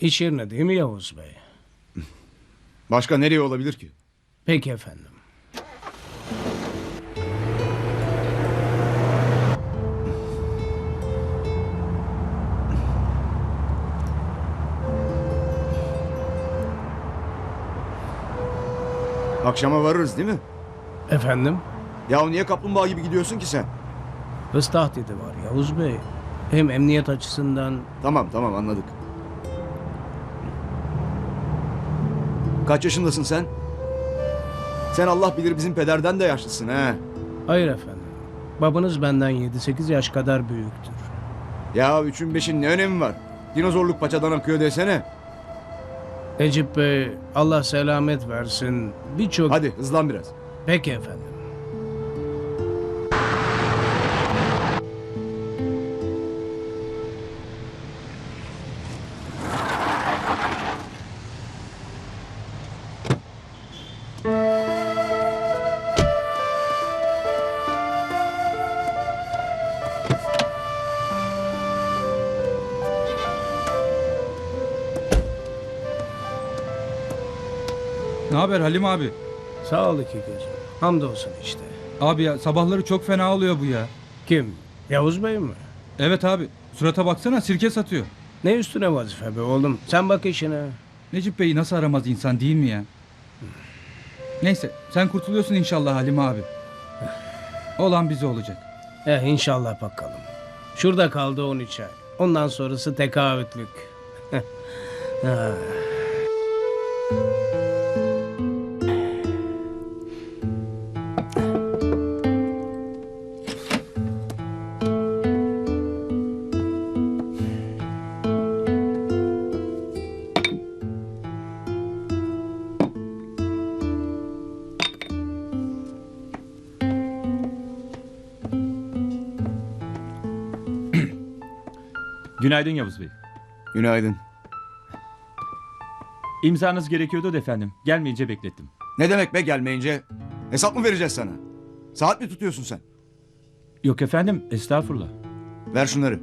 İş yerine değil mi Yavuz Bey? Başka nereye olabilir ki? Peki efendim. Akşama varırız değil mi? Efendim? Ya niye kaplumbağa gibi gidiyorsun ki sen? Hız tahdidi var Yavuz Bey. Hem emniyet açısından... Tamam anladık. Kaç yaşındasın sen? Sen Allah bilir bizim pederden de yaşlısın ha. Hayır efendim. Babanız benden 7-8 yaş kadar büyüktür. Ya üçün beşin ne önemi var? Dinozorluk paçadan akıyor desene. Necip Bey, Allah selamet versin. Birçok... Hadi hızlan biraz. Peki efendim. Ne haber Halim abi? Sağ ol iki gözüm. Hamdolsun işte. Abi ya sabahları çok fena oluyor bu ya. Kim? Yavuz Bey mi? Evet abi. Surata baksana sirke satıyor. Ne üstüne vazife be oğlum? Sen bak işine. Necip Bey'i nasıl aramaz insan değil mi ya? Neyse sen kurtuluyorsun inşallah Halim abi. Olan bize olacak. İnşallah bakalım. Şurada kaldı 13 ay. Ondan sonrası tekaütlük. Ha. Günaydın Yavuz Bey. Günaydın. İmzanız gerekiyordu da efendim. Gelmeyince beklettim. Ne demek be gelmeyince? Hesap mı vereceğiz sana? Saat mi tutuyorsun sen? Yok efendim, estağfurullah. Ver şunları.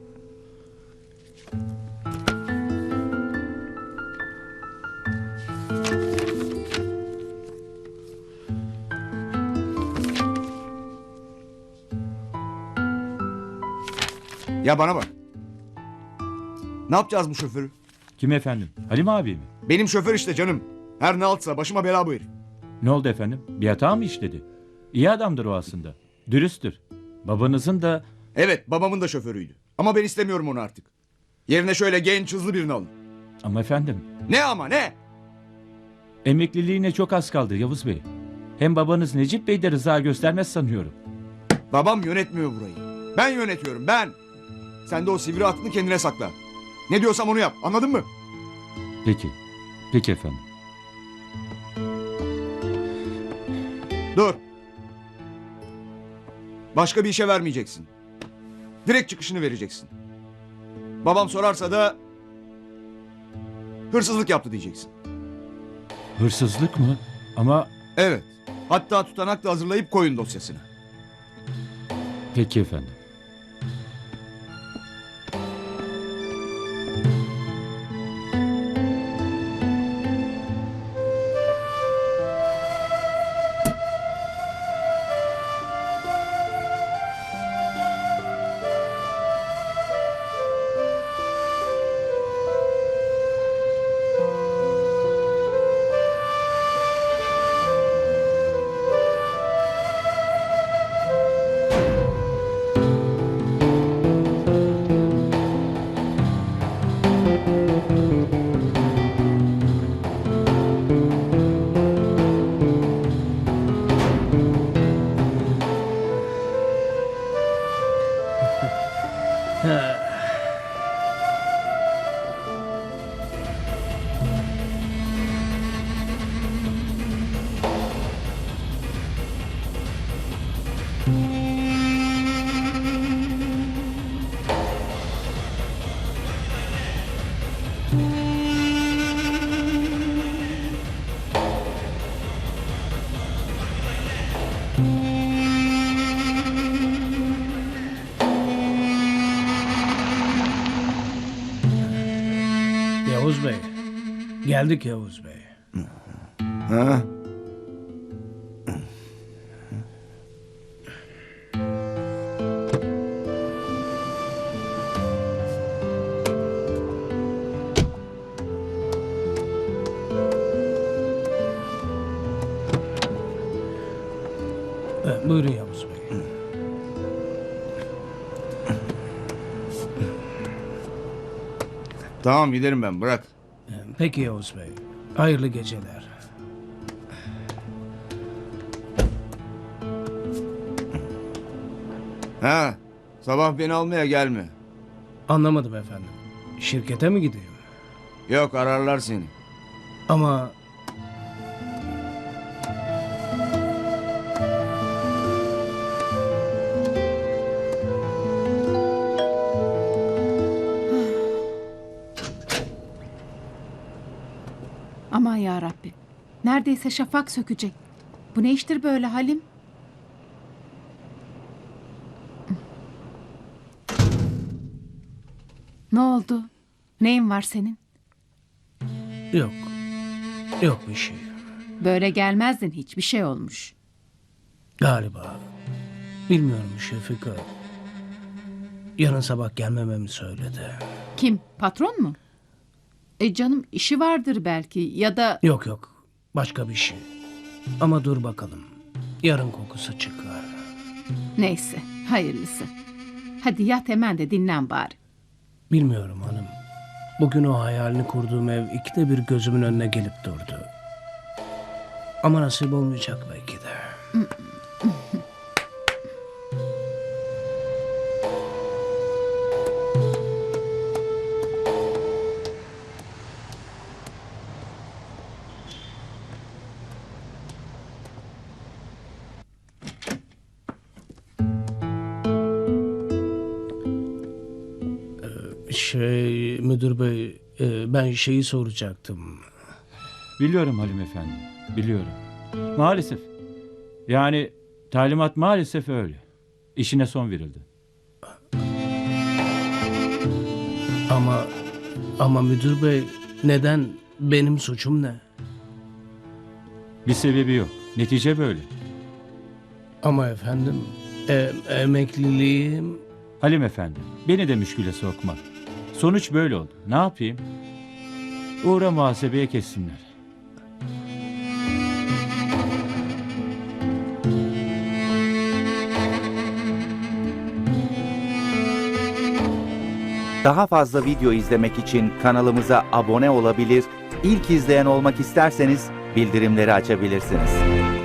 Ya bana bak. Ne yapacağız bu şoförü? Kim efendim? Halim abi mi? Benim şoför işte canım. Her ne altsa başıma bela bu herif. Ne oldu efendim? Bir hata mı işledi? İyi adamdır o aslında. Dürüsttür. Babanızın da... Evet babamın da şoförüydü. Ama ben istemiyorum onu artık. Yerine şöyle genç hızlı birini alın. Ama efendim, Ne ama ne? emekliliğine çok az kaldı Yavuz Bey. Hem babanız Necip Bey de rıza göstermez sanıyorum. Babam yönetmiyor burayı. Ben yönetiyorum ben. Sen de o sivri aklını kendine sakla. Ne diyorsam onu yap anladın mı? Peki. Peki efendim. Dur. Başka bir işe vermeyeceksin. Direkt çıkışını vereceksin. Babam sorarsa da hırsızlık yaptı diyeceksin. Hırsızlık mı? Ama... Evet. Hatta tutanak da hazırlayıp koyun dosyasına. Peki efendim. Geldik Yavuz Bey. Ha? Buyurun Yavuz Bey. Tamam giderim ben, bırak. Peki Yavuz Bey. Hayırlı geceler. Ha, sabah beni almaya gelme. Anlamadım efendim. Şirkete mi gideyim? Yok, ararlar seni. Ama Aman ya Rabbi. Neredeyse şafak sökecek. Bu ne iştir böyle Halim? Ne oldu? Neyin var senin? yok. Yok bir şey. Böyle gelmezdin, hiçbir şey olmuş. Galiba. Bilmiyorum Şefika. Yarın sabah gelmememi söyledi. Kim? Patron mu? Canım işi vardır belki ya da... Yok yok. Başka bir şey. Ama dur bakalım. Yarın kokusu çıkar. Neyse, hayırlısı. Hadi yat hemen de dinlen bari. Bilmiyorum hanım. Bugün o hayalini kurduğum ev ikide bir gözümün önüne gelip durdu. Ama nasip olmayacak belki de. Müdür bey, ben şeyi soracaktım. Biliyorum Halim Efendi, biliyorum. Maalesef. Yani talimat maalesef öyle. İşine son verildi. Ama müdür bey, neden, benim suçum ne? Bir sebebi yok. Netice böyle. Ama efendim, emekliliğim... Halim Efendi, beni de müşküle sokma. Sonuç böyle oldu. Ne yapayım? Uğra muhasebeye kessinler. Daha fazla video izlemek için kanalımıza abone olabilir, ilk izleyen olmak isterseniz bildirimleri açabilirsiniz.